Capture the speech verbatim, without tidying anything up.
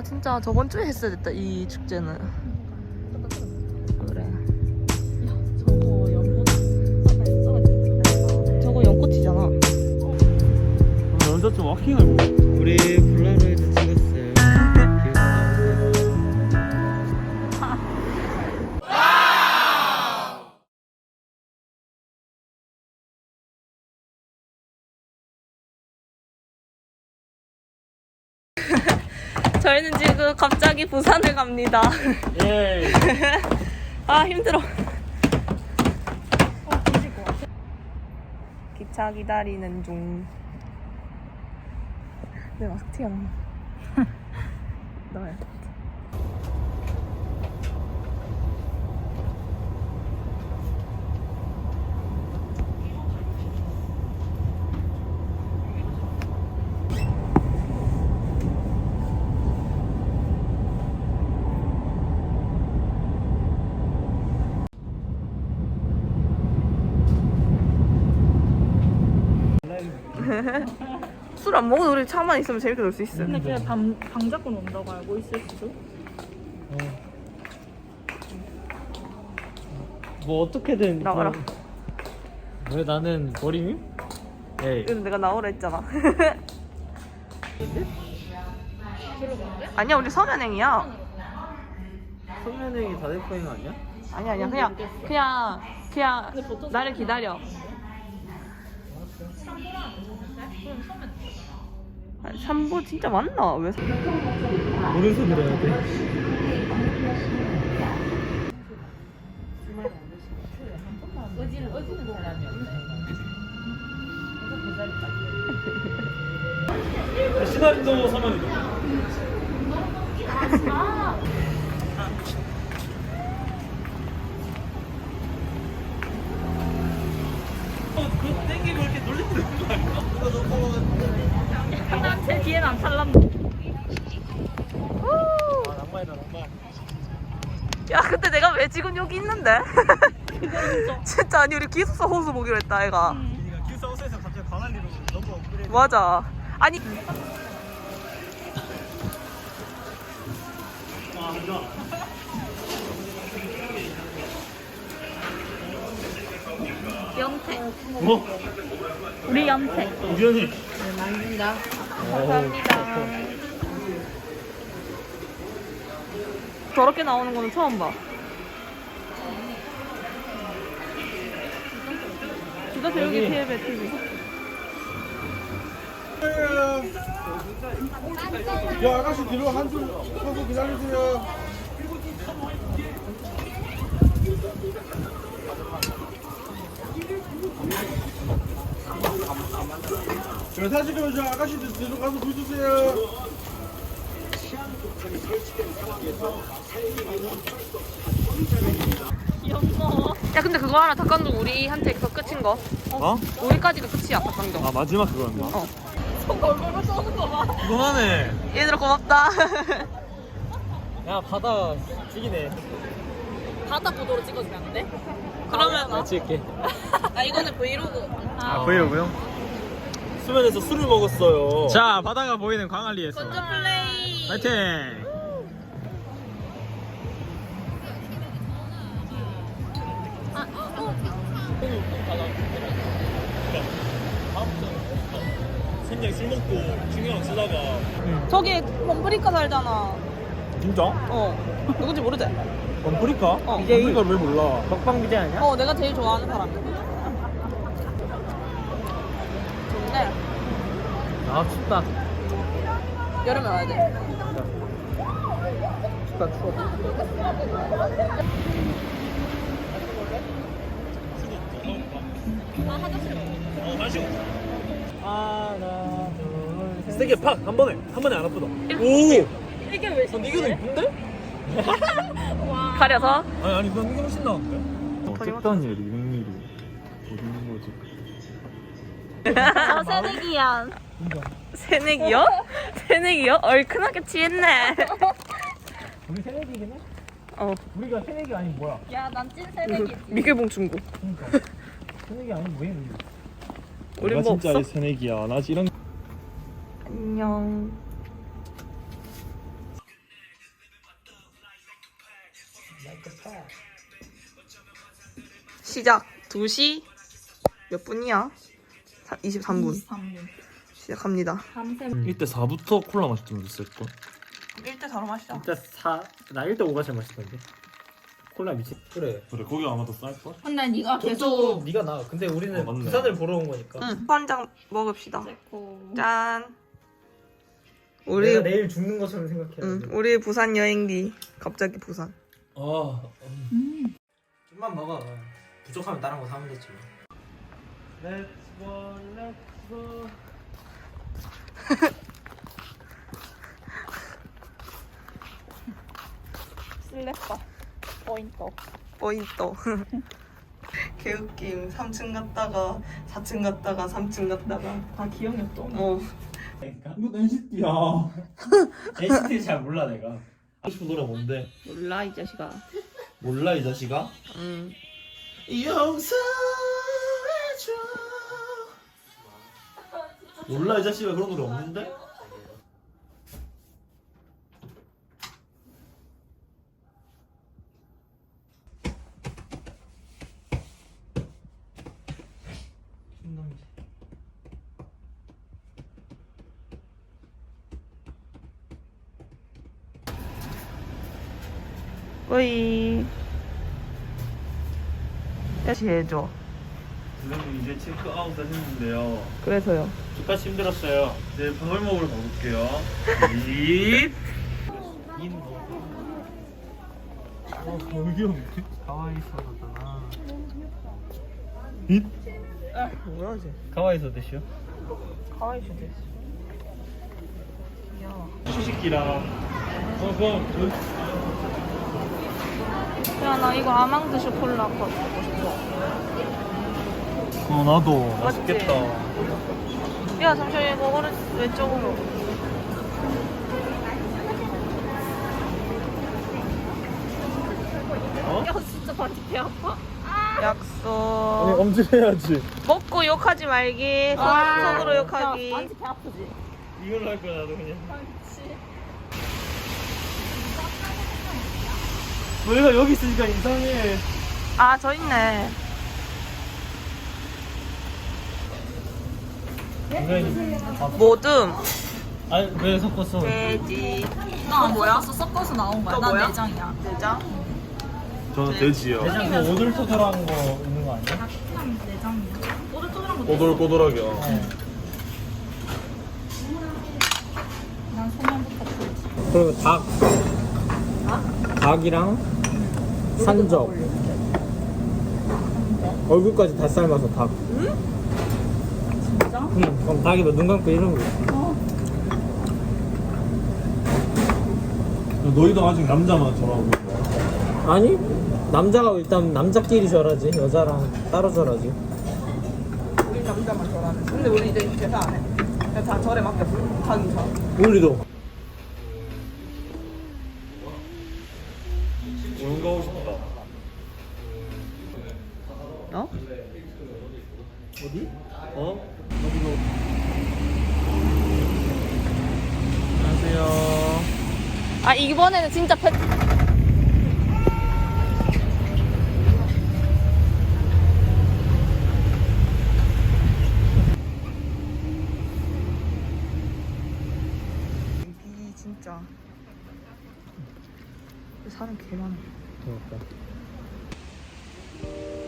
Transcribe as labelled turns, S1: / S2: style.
S1: 아 진짜 저번 주에 했어야 됐다 이 축제는. 그래.
S2: 저거 연보다
S1: 저거 연꽃이잖아.
S3: 먼저 좀 워킹을 보고. 우리 폴라로이드 찍었어요.
S1: 저희는 지금 갑자기 부산을 갑니다.
S3: 예.
S1: 아 힘들어. 기차 기다리는 중. 내 마스크 튀어나와. 나야. 술 안 먹어도 우리 차만 있으면 재밌게 놀 수 있어.
S2: 근데 그냥 방, 방 잡고 논다고 알고 있을 수도?
S3: 어. 뭐 어떻게든
S1: 나와라.
S3: 뭐- 왜 나는 버림이? 에이.
S1: 이거 내가 나오라 했잖아. 아니야 우리 서면행이야.
S3: 소면행이 다대포행 아니야?
S1: 아니야 아니야 그냥 그냥 그냥 나를 기다려. 아, 삼보 진짜 맞나? 왜? 삼-
S3: 오른손 들어야 돼. 시나리오 서면이다. 그거 땡기고 이렇게 놀리는 거 아니야? 이거 너무
S2: 난제 뒤에는 안 탈란다.
S3: 아 낭만이다 낭만.
S1: 야 근데 내가 왜 지금 여기 있는데? 진짜 아니 우리 기숙사 호수 보기로 했다 애가.
S3: 그러니까 기숙사에서 갑자기 광안리로 너무 업그레이드.
S1: 맞아. 아니
S3: 아 좋아.
S2: 연태.
S3: 뭐?
S2: 우리 연태.
S3: 우연히.
S1: 감사합니다. 저렇게 나오는 거는 처음 봐. 주다 배우기 티비에 티비.
S4: 야 아가씨 뒤로 한줄 서서 기다리세요. 저 사진 찍으면서 아가씨들 뒤로 가서 줄 주세요.
S2: 귀엽어.
S1: 야 근데 그거 하나 닭강정 우리한테 그 끝인 거.
S3: 어?
S1: 우리까지가 끝이야 닭강정.
S3: 아 마지막 그거였나?
S1: 어.
S2: 얼굴을 쏘는 거 봐.
S3: 그만해.
S1: 얘들아 고맙다.
S3: 야 바다 죽이네.
S2: 바다 보도로 찍어주면 안 돼?
S1: 그러면
S3: 나 찍을게.
S1: 아 이거는 브이로그.
S3: 아 브이로그요? 수면에서 술을 먹었어요. 자 바다가 보이는 광안리에서.
S1: 건조 플레이.
S3: 파이팅. 생장 술 먹고 중요한 쓰다가.
S1: 저기 범프리카 살잖아.
S3: 진짜?
S1: 어. 누군지 모르지?
S3: 범프리카?
S1: 어.
S3: 범프리카 왜 몰라? 먹방 비제 아니야?
S1: 어 내가 제일 좋아하는 사람. 좋은데
S3: 아 춥다.
S1: 여름에 와야 돼.
S3: 춥다 추워. 어 마시고. 하나 둘 셋. 세게 팍 한 번에 한 번에 안 아프다. 오.
S2: 이게 왜
S3: 난 이게 더 이쁜데?
S1: 가려서.
S3: 아니 아니 난 이게 훨씬 나은데?
S1: 거짓말.
S3: 어쨌든 일이 육미로 어디는 거지?
S2: 저 새내기야.
S1: 새내기요? 새내기요? 얼큰하게 취했네.
S3: 우리 새내기긴 해?
S1: 어.
S3: 우리가 새내기 아니면 뭐야?
S2: 야, 난 찐 새내기지.
S1: 미개봉 중고.
S3: 그러니까 새내기 아니면 뭐해 우리?
S1: 우리
S3: 내가
S1: 뭐
S3: 진짜
S1: 없어?
S3: 새내기야. 나 이런.
S1: 안녕. 시작 두 시 몇 분이야? 사- 이십삼 분
S2: 이십삼 분.
S1: 시작합니다.
S2: 밤새
S3: 이때 사부터 콜라 맛좀 있을걸?
S1: 일 대 사로 마시자.
S5: 일단 사, 나 일 대 오가 제일 맛있던데. 콜라 미친. 그래.
S3: 그래 거기가 아마 더 쌀걸?
S2: 근데 네가
S5: 저쪽
S2: 계속
S5: 네가 나. 근데 우리는
S3: 어, 맞네.
S5: 부산을 보러 온 거니까.
S1: 응. 한 잔 먹읍시다.
S2: 찍고
S1: 짠. 우리
S5: 내가 내일 죽는 것처럼 생각해.
S1: 응, 우리 부산 여행기 갑자기 부산.
S5: 아,
S2: 음.
S5: 좀만 먹어. 부족하면 다른 거 사면 되지. Let's go, let's go.
S2: 슬래퍼 포인트.
S1: 포인트. 개웃김. 삼 층 갔다가 사 층 갔다가 삼 층 갔다가
S2: 다 기억이 없어.
S1: 어.
S4: 이거 엔시티야.
S5: 엔시티 잘 몰라 내가.
S3: 하고 싶은 노래 뭔데?
S2: 몰라 이 자식아.
S3: 몰라 이 자식아?
S1: 응.
S3: 용서해줘 몰라 이 자식아 그런 노래 없는데?
S1: 거의 다시 해줘.
S3: 선생님 이제 체크아웃 하셨는데요
S1: 그래서요.
S3: 주까지 힘들었어요 이제 밥을 먹으러 가볼게요 잇 어, 여기 없네
S5: 가와이소잖아.
S3: 잇
S1: 뭐야 이제?
S5: 가와이소 드시오?
S1: 가와이 슈 됐어. 귀여워.
S3: 휴식기랑 어 그럼
S1: 야, 나 이거 아망드 쇼콜라 먹고 싶어.
S3: 어 나도
S1: 맞지?
S3: 맛있겠다
S1: 야, 잠시만 이거 오른 왼쪽으로.
S3: 어?
S2: 야 진짜 바지 배 아파.
S1: 약속.
S3: 엄지해야지
S1: 먹고 욕하지 말기. 손,
S2: 아,
S1: 손으로 욕하기.
S2: 야, 바지 배 아프지.
S3: 이걸로 할 거야 나도 그냥
S2: 그렇지.
S3: 너희가 여기 있으니까 이상해
S1: 아, 저 있네. 모듬.
S5: 아니 왜 섞었어?
S1: 돼지.
S2: 나 뭐야? 섞어서 나온 거야.
S1: 너
S2: 난
S1: 뭐야?
S2: 내장이야.
S1: 내장.
S3: 저는 돼지요
S5: 대장 그 오돌토돌한 거 있는 거 아니야?
S2: 그냥 내장이야. 꼬들꼬들한 거.
S3: 꼬들꼬들하게
S2: 난 소면부터 풀지.
S5: 그리고 닭. 닭이랑 산적. 얼굴까지 다 삶아서 닭.
S2: 진짜?
S5: 응. 그럼 닭이 뭐 눈 감고 이런 거.
S3: 너희도 아직 남자만 저라고
S5: 아니 남자가 일단 남자끼리 절하지 여자랑 따로 절하지.
S1: 우리 남자만 절하는. 근데 우리 이제 제사 안 해. 그냥 다 절에 맡겼어. 자기 절.
S5: 우리도.
S3: 오늘 가고 싶다
S1: 어?
S5: 어디?
S3: 어?
S5: 안녕하세요.
S2: 아 이번에는 진짜 펫.
S1: 이 진짜. 사람 개 많아.
S5: 그러니까.